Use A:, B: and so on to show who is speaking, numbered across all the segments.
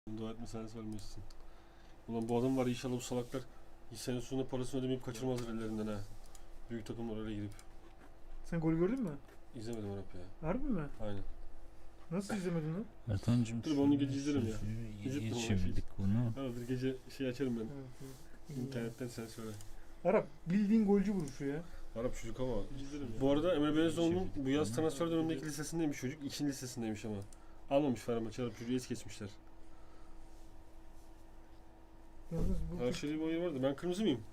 A: Dua etme sen vermiyorsun. Ulan bu adam var inşallah bu salaklar senin sonunda parasını ödemeyip kaçırmazlar ellerinden ha. Büyük takımlar oraya girip.
B: Sen gol gördün mü?
A: İzlemedim Arap ya.
B: Harbi mi?
A: Aynen.
B: Nasıl izlemedin lan?
C: Ertan'cım
A: Dur, onu gece izlerim ya.
C: İyi
A: İzlettim
C: çevirdik bunu.
A: Aradır gece açarım ben.
B: Evet.
A: İnternetten sen söyle.
B: Arap bildiğin golcü vuruşu ya.
A: Arap çocuk ama. Bu arada Emre Belezoğlu'nun bu yaz transfer dönemindeki lisesindeymiş çocuk. İkinci lisesindeymiş ama. Almamış Fenerbahçe Arap çocuğu es geçmişler.
B: Yalnız bu
A: Her şeyde bir oyun vardı. Ben kırmızı mıyım?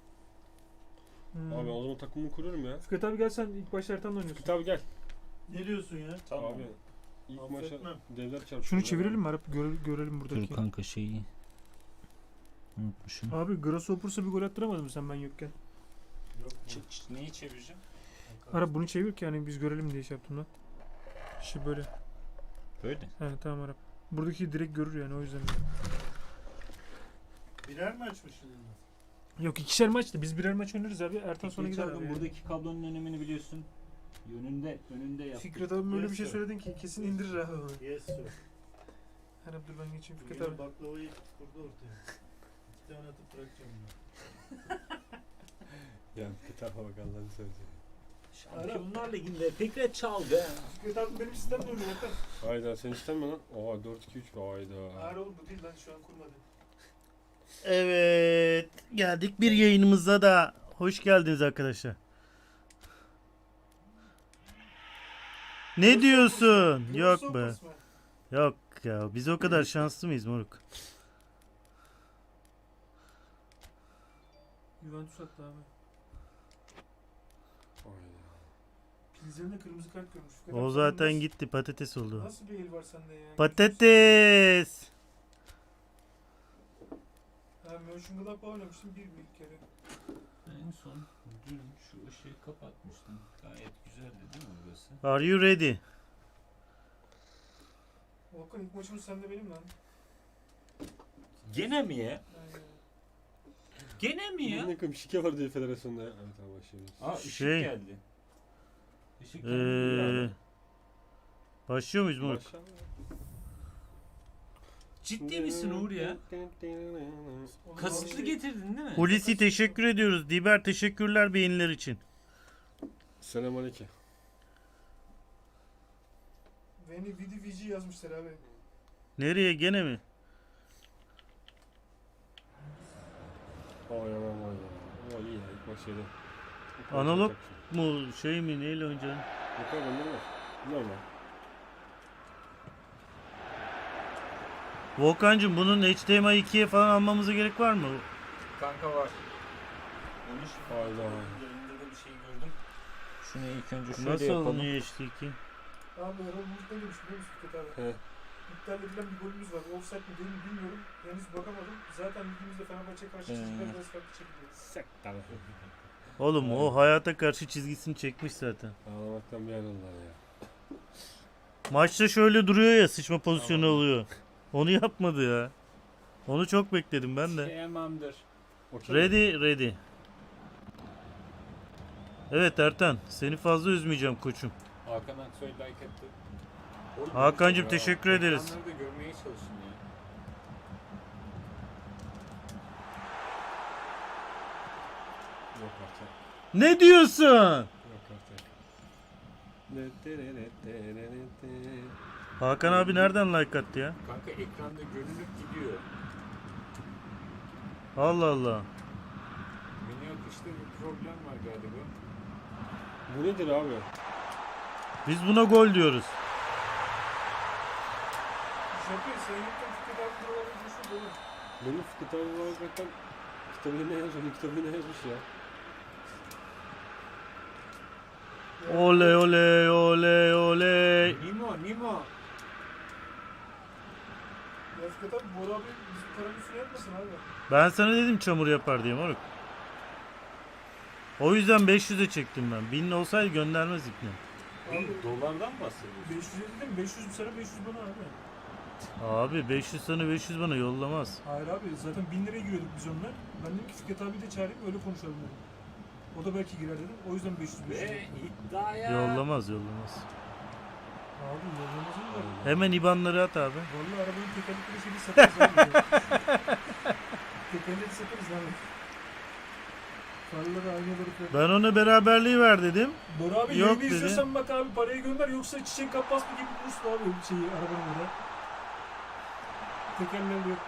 A: Abi o zaman takımımı kuruyorum ya.
B: Fikret abi gel sen ilk başta Ertan'la oynuyorsun.
A: Fikret abi gel.
D: Ne diyorsun ya?
A: Tamam. Abi ilk maça
D: Affetmem.
A: devler çarpıyor.
B: Şunu çevirelim mi Arap? Görelim
C: Dur
B: buradaki.
C: kanka şeyi. Unutmuşum.
B: Abi Grasshopper'sa bir gol attıramadın mı sen ben yokken?
D: Yok mu?
C: Neyi çevireceğim?
B: Arap bunu çevir ki yani biz görelim diye şey yaptım lan. İşte böyle.
C: Böyle.
B: He tamam Arap. Buradaki direkt görür yani o yüzden.
D: Birer mi açmışsın?
B: Yok ikişer maçtı. Biz birer maç oynarız abi. Ertan sonra gider abi. Yani.
C: Buradaki kablonun önemini biliyorsun. Önünde yap.
B: Fikret abi böyle bir şey
D: Yes,
B: söyledin ki kesin indirir abi onu.
D: Yes sir.
B: Arap dur ben geçeyim Fikret
D: Bugün
B: abi.
D: baklavayı kurdu ortaya. 2 tane atıp bırakacağım
A: Ya Fikret abi bak Allah'ını seversen.
C: Şampiyonlar Ligi'nde Fikret çaldı.
B: Fikret abi benim sistemle oynuyor Ertan.
A: Hayda sen istenme lan. Oha 4-2-3 hayda.
B: Hayır oğlum bu değil lan şu an kurmadı.
D: Evet. Geldik bir yayınımıza da. Hoş geldiniz arkadaşlar. Ne diyorsun? Yok be.
B: Grasshoppers mı?
D: Yok ya. Biz o kadar şanslı mıyız moruk?
B: Juventus attı abi.
A: Hayda.
B: Pilsen'de kırmızı kart görmüş. Fikret
D: O
B: abi,
D: zaten
B: nasıl-
D: gitti. Patates oldu.
B: Nasıl bir el var sende ya?
D: Patates.
B: Ha Mönchengladbach oynamıştım bir kere.
C: En son dün şu ışığı kapatmıştım. Gayet güzeldi değil mi burası?
D: Are you ready?
B: Volkan ilk maçımız sende benim lan.
C: Gene mi ya?
B: Aynen.
C: Gene mi ya?
A: Ne kadar şike var diye federasyonda ya. Evet tamam başlayalım.
C: Aa ışık
D: Şey-
C: geldi. Işık
D: Ee,
C: geldi.
D: başlıyor muyuz moruk?
A: Başla.
C: Ciddi misin Uğur ya?
B: Oğlum,
C: Kasıtlı
B: abi-
C: getirdin değil mi?
D: Hulusi teşekkür ediyoruz. Diber teşekkürler beğeniler için.
A: Selamünaleyküm.
B: Veni Vidi Vici yazmışlar abi.
D: Nereye gene mi?
A: Vay aman vay ya. O iyi ya ilk maç şeyde.
D: Analog mu şey mi neyle oynayacaksın?
A: Yok abi bende var. Normal.
D: Volkan'cığım bunun HDMI 2'ye falan almamıza gerek var mı?
C: Kanka var. Onu şimdi
A: Hayda.
C: yayında da bir şey gördüm. Şunu ilk önce şöyle
D: Nasıl
C: yapalım.
D: alınıyor HD2?
B: Abi Erol Bulut ne demiş biliyor musun Fikret abi?
A: He.
B: İptal edilen bir golümüz var. Offside mi değil mi bilmiyorum. Henüz bakamadım. Zaten ligimizde Fenerbahçe karşı çizgiler biraz farklı çekiliyor.
A: Sektan.
D: Oğlum o hayata karşı çizgisini çekmiş zaten.
A: Ağlamaktan bir ayrıldılar ya.
D: Maçta şöyle duruyor ya sıçma pozisyonu oluyor. Onu yapmadı ya. Onu çok bekledim ben de.
C: Tamamdır.
A: Okey.
D: Ready. Evet Ertan seni fazla üzmeyeceğim koçum.
C: Hakan Aksoy like attı. Oğlum,
D: Hakan'cığım
C: ya,
D: teşekkür ederiz.
C: ekranları da görmeye çalışın ya.
A: Yok artık.
D: Ne diyorsun?
A: Yok artık.
D: Hakan abi nereden like attı ya?
C: Kanka ekranda görünüp gidiyor.
D: Allah Allah.
C: Beni akışta bir problem var galiba.
A: Bu nedir abi?
D: Biz buna gol diyoruz.
B: Şaka sen yokken Fikret abi buralarda coşuyor dolu.
A: Benim Fikret abi var hakikaten kitabını ne yazmış? Kitabını ne yazmış ya?
D: Oley oley oley oley.
C: Nimo.
B: Ya Fikret abi Bora abi bizim paranın üstüne yapmasın abi.
D: Ben sana dedim çamur yapar diye moruk. O yüzden 500'e çektim ben. 1000 olsaydı göndermez ipne.
B: Abi
C: Dolardan bahsediyorsun.
B: 500 dedim 500 sana 500 bana abi.
D: Abi 500 sana 500 bana yollamaz.
B: Hayır abi zaten 1000 liraya giriyorduk biz onunla. Ben dedim ki Fikret abi de çağırayım öyle konuşalım dedim. O da belki girer dedim. O yüzden 500
C: Ve iddiaya...
D: Yollamaz.
B: Abi yollamazın var.
D: Hemen IBAN'ları at abi.
B: Vallahi arabanın tekerlekleri şeyi satarız abi. Tekerleri satarız abi. Farları, aynaları falan.
D: Ben ona beraberliği ver dedim.
B: Bora abi
D: Yok
B: yayını
D: dedi.
B: izliyorsan bak abi parayı gönder yoksa çiçek kappas mı gibi bulursun abi şeyi arabanın burada. Tekerleri yok.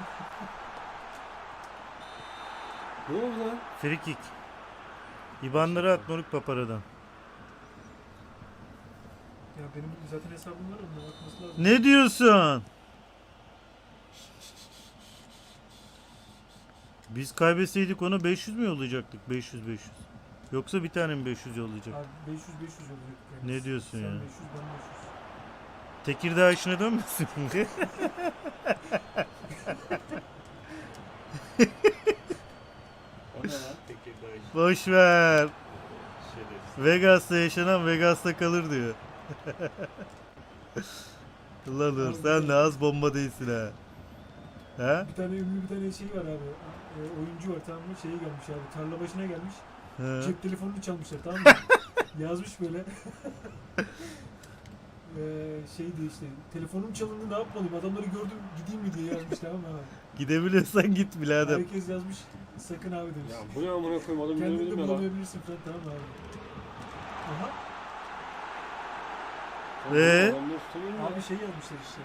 A: Ne oldu lan?
D: Free kick. IBAN'ları at moruk paparadan.
B: Ya benim zaten hesabım var onunla bakması lazım.
D: Ne diyorsun? Biz kaybetseydik ona 500 mü yollayacaktık? 500. Yoksa bir tane mi 500 yollayacak?
B: Abi 500 olacak. Yani.
D: Ne diyorsun
B: Sen
D: ya?
B: 500 ben 500.
D: Tekirdağ işine dönmesin.
C: O ne lan? Tekirdağ işi.
D: Boş ver.
C: Şerefsiz.
D: Vegas'ta yaşanan Vegas'ta kalır diyor. Ulan Uğur, sen de az bomba değilsin ha. Ha?
B: Bir tane ünlü bir tane şey var abi. Oyuncu var tamam mı? Şeye gelmiş abi. Tarla başına gelmiş.
D: Ha.
B: Cep telefonunu çalmışlar tamam mı? Yazmış böyle. Şeydi işte. Telefonum çalındı ne yapmalıyım? Adamları gördüm gideyim mi diye yazmış tamam mı abi?
D: Gidebiliyorsan git birader.
B: Herkes yazmış. Sakın abi demiş.
A: Ya bu ne amına koyayım adam
B: Kendini de
A: bilemedim ya lan.
B: bulamayabilirsin falan tamam mı abi? Aha.
A: Adamları tutamıyorum ya.
B: Abi şey yazmışlar işte.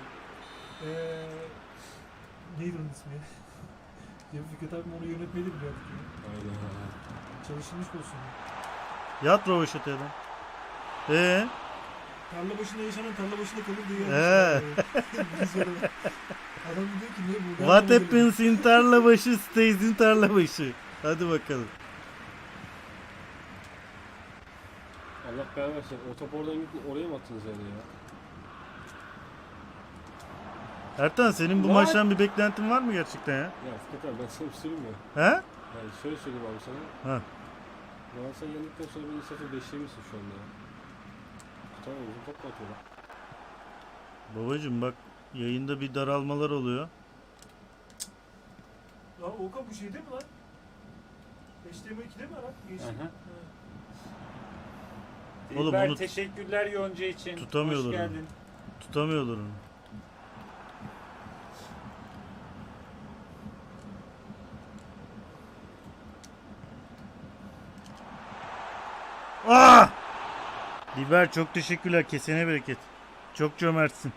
B: Neydi onun ismi? Ya Fikret abim onu yönetmeyi de biliyorduk ya.
A: Aynen.
B: Çalışılmış olsun.
D: Yat rovaşataya lan.
B: Tarla başında yaşanan tarla başında kalır diye
D: He.
B: yazmışlar. Adam diyor ki ne bu?
D: What happens in tarlabaşı stays in tarlabaşı. Hadi bakalım.
A: Allah belanı versin. O top oradan gitti. Oraya mı attınız yani ya?
D: Ertan senin bu
A: Lan!
D: maçtan bir beklentin var mı gerçekten ya?
A: Ya Fikret abi ben sana bir söyleyeyim mi?
D: He?
A: Yani şöyle söyleyeyim abi sana.
D: Ha.
A: Galatasaray yendikten sonra beni 0-5'lemişsin şu anda ya. Tamam uzun top mu atıyorlar?
D: Babacım bak yayında bir daralmalar oluyor.
B: Ya Okan bu şeyde mi lan? HTML2'de mi lan? Geçti.
C: Aha.
B: Ha.
D: Oğlum
C: Dilber,
D: onu
C: teşekkürler Yonca için.
D: tutamıyorlar
C: Hoş
D: onu.
C: geldin.
D: Tutamıyorlar onu. Ah! Dilber çok teşekkürler. Kesene bereket. Çok cömertsin.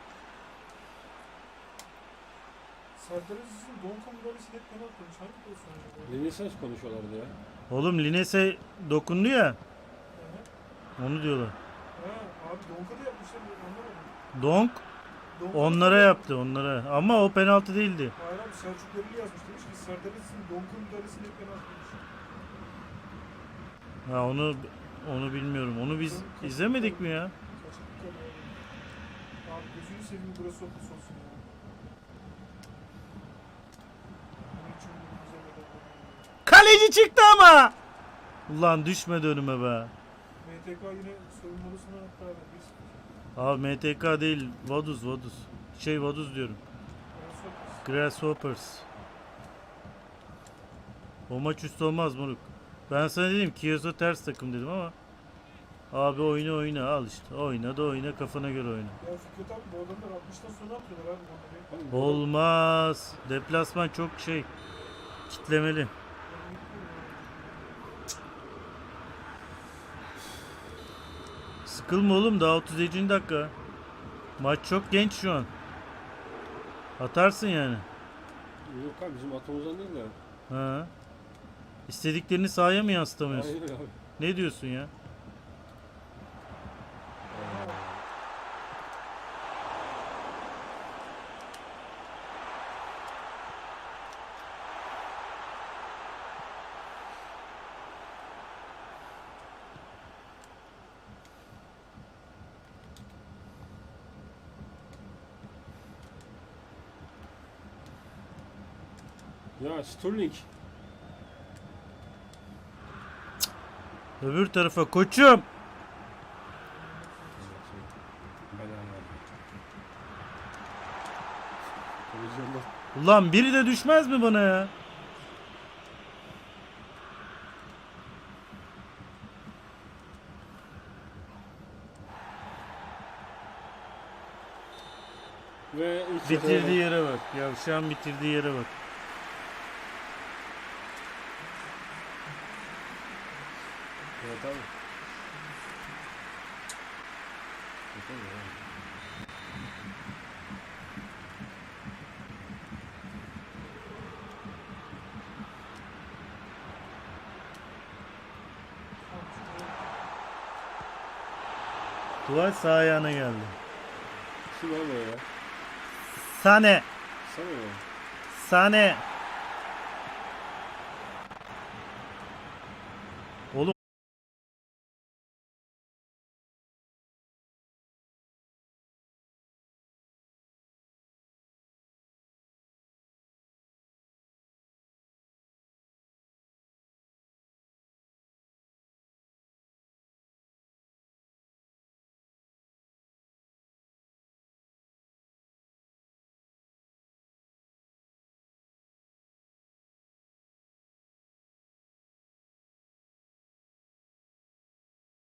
B: Serdar Aziz'in Donkan müdahalesi hep penaltı olmuş. Hangi pozisyon acaba?
A: Renesans konuşuyorlardı ya.
D: Oğlum Lines'e dokundu ya.
B: Aha.
D: Onu diyorlar.
B: Ha, abi Donka da yapmışlar. Anlamadım.
D: Donk
B: Donka
D: onlara
B: da-
D: yaptı onlara. Ama o penaltı değildi.
B: Hayır abi Selçuk Dereli yazmış demiş ki Serdar Aziz'in Donka müdahalesi hep penaltı olmuş.
D: Ha onu bilmiyorum. Onu biz izlemedik mi ya?
B: Kaçırdık ya abi. Abi gözünü seveyim burası okul olsun ya. Bunun için bu güzel bir adam.
D: Kaleci çıktı ama. Ulan düşmedi önüme be.
B: MTK yine soyunmalısına hatta abi. Biz
D: Abi MTK değil. Vaduz. Vaduz diyorum. Grasshoppers. O maç üstü olmaz moruk. Ben sana dedim Kiyosa ters takım dedim ama. Abi oyna al işte. Oyna kafana göre oyna.
B: Ya Fikret abi bu adamlar 60'tan sonra atıyorlar abi bunları.
A: Oğlum,
D: Olmaz. Deplasman çok kitlemeli. Sıkılma oğlum daha 37. dakika. Maç çok genç şu an. Atarsın yani.
A: Yok abi bizim atomuzdan değil de.
D: Ha. İstediklerini sahaya mı yansıtamıyorsun?
A: Aynen abi.
D: Ne diyorsun ya?
A: Ya Sterling.
D: Öbür tarafa koçum. Ulan biri de düşmez mi bana ya? bitirdiği yere bak. Yavşağın bitirdiği yere bak.
A: Evet abi. Yapamıyor abi.
D: Tuval sağ ayağına geldi.
A: Kim abi o ya?
D: Sane.
A: Sana ya.
D: Sane.